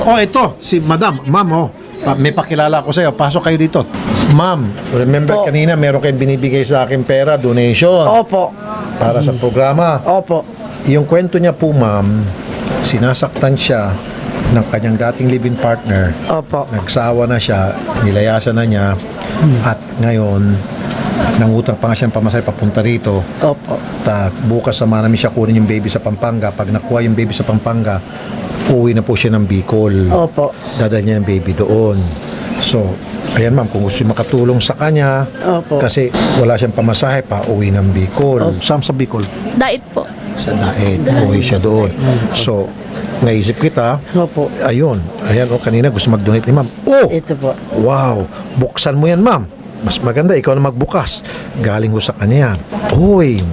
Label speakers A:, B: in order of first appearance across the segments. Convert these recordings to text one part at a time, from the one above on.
A: Oh, ito, si Madam. Ma'am, oh. May pakilala ko sa iyo. Pasok kayo dito. Ma'am, remember kanina meron kayong binibigay sa akin pera, donation.
B: Opo.
A: Para sa programa.
B: Opo.
A: Yung kwento niya po, ma'am, sinasaktan siya ng kanyang dating live-in partner.
B: Opo.
A: Nagsawa na siya, nilayasan na niya, at ngayon, nangutang pa nga siya ng pamasahe papunta rito.
B: Opo.
A: Bukas sama namin siya kunin yung baby sa Pampanga. Pag nakuha yung baby sa Pampanga, uwi na po siya ng Bicol.
B: Opo.
A: Dadala niya yung baby doon. So, ayan ma'am, kung gusto makatulong sa kanya,
B: Opo.
A: kasi wala siyang pamasahe pa, uwi ng Bicol. Saan sa Bicol?
C: Dait po.
A: Sa Daet, uwi siya doon. So, naisip kita,
B: Opo.
A: ayun, ayan, kanina gusto mag-donate ni ma'am. Oh!
B: Ito po.
A: Wow! Buksan mo yan, ma'am. Mas maganda, ikaw na magbukas. Galing ko sa kanya yan. Uy!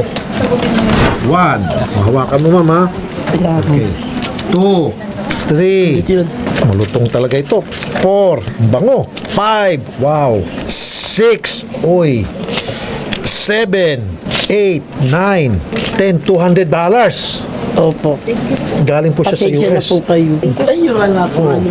A: One. Mahawakan mo, ma'am, ha?
B: Ayan.
A: Okay. 2, 3.
B: Ito yun.
A: Malutong talaga ito. 4. Bango. 5. Wow. 6. Uy. 7. 8. 9. 10. $200.
B: Opo.
A: Galing po siya sa
B: Pasensya na
A: US.
B: po kayo. Ay, wala po ano.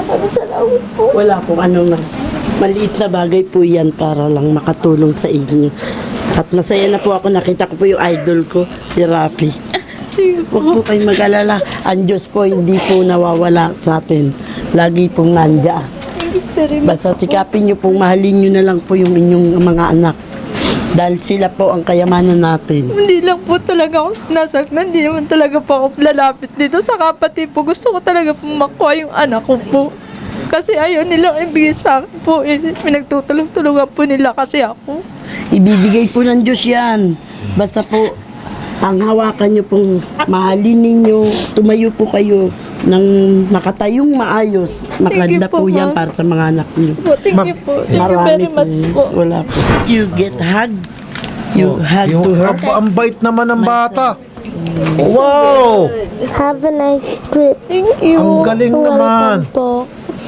B: Wala po ano na. Maliit na bagay po yan para lang makatulong sa inyo. At masaya na po ako. Nakita ko po yung idol ko, si Rafi. Huwag po kayong mag-alala. Ang Diyos po hindi po nawawala sa atin. Lagi pong nandiyan. Basta sikapin nyo pong mahalin nyo na lang po yung inyong mga anak. Dahil sila po ang kayamanan natin.
C: Hindi lang po talaga ako nasaktan. Hindi naman talaga po ako lalapit dito sa kapatid po. Gusto ko talaga po makuha yung anak ko po. Kasi ayaw nilang ibigay sa akin po. Pinagtutulong-tulungan po nila kasi ako.
B: Ibibigay po ng Diyos yan. Basta po, ang hawakan nyo pong mahalin ninyo, tumayo po kayo ng nakatayong maayos. Maganda
C: po,
B: po yan
C: ma'am.
B: para sa mga anak nyo.
C: Po, thank you po. Thank you very much po.
B: Wala po. You get hug. You hug
A: Yung
B: to her.
A: ang bait naman ng bata. Wow!
D: Have a nice trip.
C: Thank you.
A: Ang galing naman.
D: Po.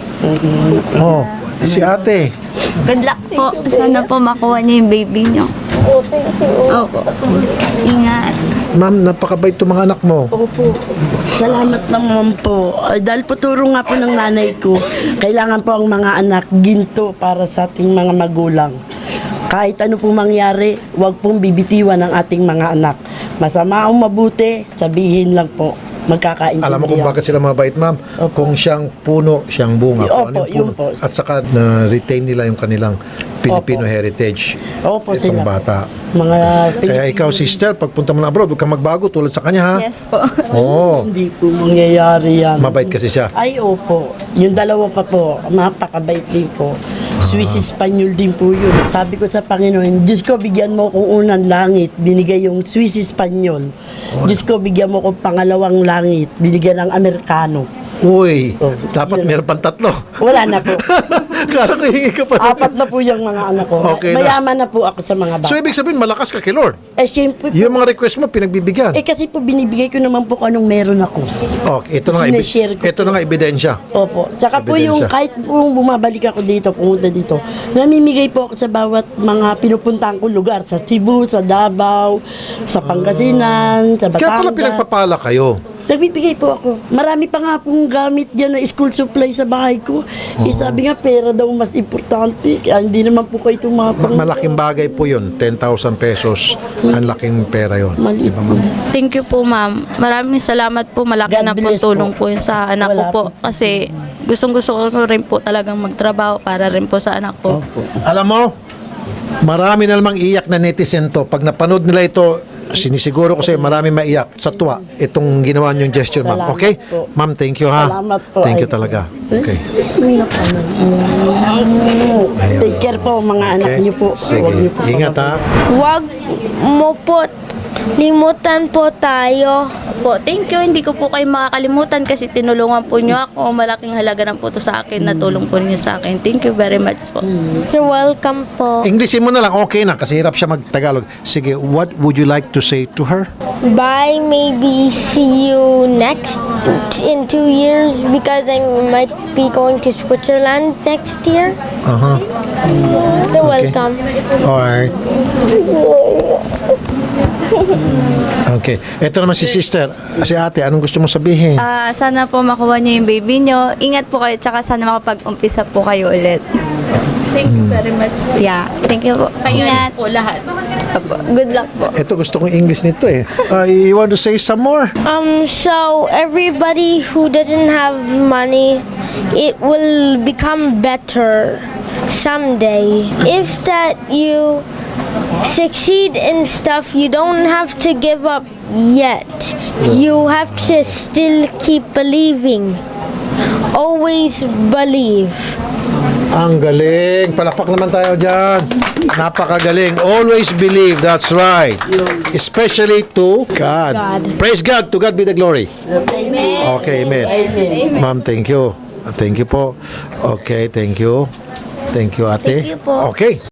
A: Oh, si ate.
E: Good luck po. Sana po makuha niyo yung baby niyo. Opo. Ingat.
A: Ma'am, napakabait itong mga anak mo.
B: Opo. Salamat naman po. Ay, dahil po turo nga po ng nanay ko, kailangan po ang mga anak ginto para sa ating mga magulang. Kahit ano pong mangyari, huwag pong bibitiwan ang ating mga anak. Masama o mabuti, sabihin lang po. Magkakaintindihan.
A: Alam mo kung bakit sila mabait, ma'am?
B: Opo.
A: Kung siyang puno, siyang bunga.
B: Opo,
A: Kung ano
B: yun
A: yung
B: po.
A: puno. At saka na-retain nila yung kanilang Filipino
B: Opo.
A: heritage.
B: Opo,
A: Itong
B: sila.
A: bata.
B: Mga
A: Kaya ikaw, sister, pagpunta mo na abroad, huwag kang magbago tulad sa kanya, ha?
E: Yes po.
A: Oo.
B: Hindi po mangyayari yan.
A: Mabait kasi siya.
B: Ay, opo. Yung dalawa pa po, napakabait din po. Swiss Espanyol din po yun. Sabi ko sa Panginoon, Diyos ko, bigyan mo kong unang langit, binigay yung Swiss Espanyol. Diyos ko, bigyan mo kong pangalawang langit, binigyan ng Amerikano.
A: Uy,
B: Oh,
A: dapat
B: yun.
A: meron pang 3.
B: Wala na po.
A: Kala ko hingi ka pa.
B: 4 na po yung mga anak ko.
A: Okay na.
B: Mayaman na po ako sa mga bata.
A: So, ibig sabihin, malakas ka kay Lord.
B: Eh, siyempre po.
A: Yung mga request mo, pinagbibigyan.
B: Kasi po binibigay ko naman po kung anong meron ako.
A: Okay, ito na nga,
B: Sineshare ko
A: ito na nga ebidensya.
B: Opo. Tsaka po yung
A: Ebidensya.
B: kahit po bumabalik ako dito, pumunta dito, namimigay po ako sa bawat mga pinupuntahan kong lugar. Sa Cebu, sa Davao, sa Pangasinan, sa
A: Kaya pala
B: Batangas.
A: pinagpapala kayo.
B: Nagbibigay po ako. Marami pa nga pong gamit dyan na school supply sa bahay ko. Eh, sabi nga, pera daw mas importante. Kaya hindi naman po kayo tumapang.
A: Malaking bagay po yun, 10,000 pesos. Ang laking pera yun.
B: Maliit
A: Diba, ma'am?
C: Thank you po, ma'am. Maraming salamat po. Malaki
B: God
C: na po
B: bless
C: tulong
B: po.
C: po yun sa anak
B: Wala
C: ko po.
B: po.
C: Kasi gustong-gusto ko rin po talagang magtrabaho para rin po sa anak ko.
B: Opo.
A: Alam mo, marami na namang iyak na netizen to. Pag napanood nila ito, sinisiguro ko sa'yo, marami maiyak sa tuwa itong ginawa niyong gesture, ma'am.
B: Salamat
A: Okay?
B: po.
A: Ma'am, thank you, ha?
B: Salamat po,
A: Thank you
B: Idol.
A: talaga. Okay.
B: Take care po, mga anak
A: Okay.
B: niyo po.
A: Sige.
B: Huwag niyo po
A: Ingat, ha?
D: Huwag mo po limutan po tayo.
C: Po, thank you. Hindi ko po kayo makakalimutan kasi tinulungan po niyo ako. Malaking halaga na po to sa akin. Natulong po niyo sa akin. Thank you very much po.
D: You're welcome po.
A: Englishin mo na lang, okay na, kasi hirap siya mag-Tagalog. Sige, what would you like to say to her?
D: Bye. Maybe see you next in 2 years because I might be going to Switzerland next year.
A: Uh-huh.
D: You're
A: Okay.
D: welcome.
A: Alright. Okay. Ito naman si sister. Si ate, anong gusto mo sabihin?
E: Sana po makuha niyo yung baby niyo. Ingat po kayo, tsaka sana makapag-umpisa po kayo ulit.
C: Thank you very much.
E: Yeah, thank you po. Ingat.
C: Po lahat.
E: Opo. Good luck po.
A: Ito gusto kong English nito eh. You want to say some more?
D: So everybody who doesn't have money, it will become better someday. If that you succeed in stuff, you don't have to give up yet. You have to still keep believing. Always believe.
A: Ang galing. Palakpak naman tayo dyan. Napakagaling. Always believe. That's right. Especially to God. Praise God. To God be the glory. Okay, amen. Ma'am, thank you. Thank you po. Okay, thank you. Thank you, ate.
E: Thank you po.
A: Okay.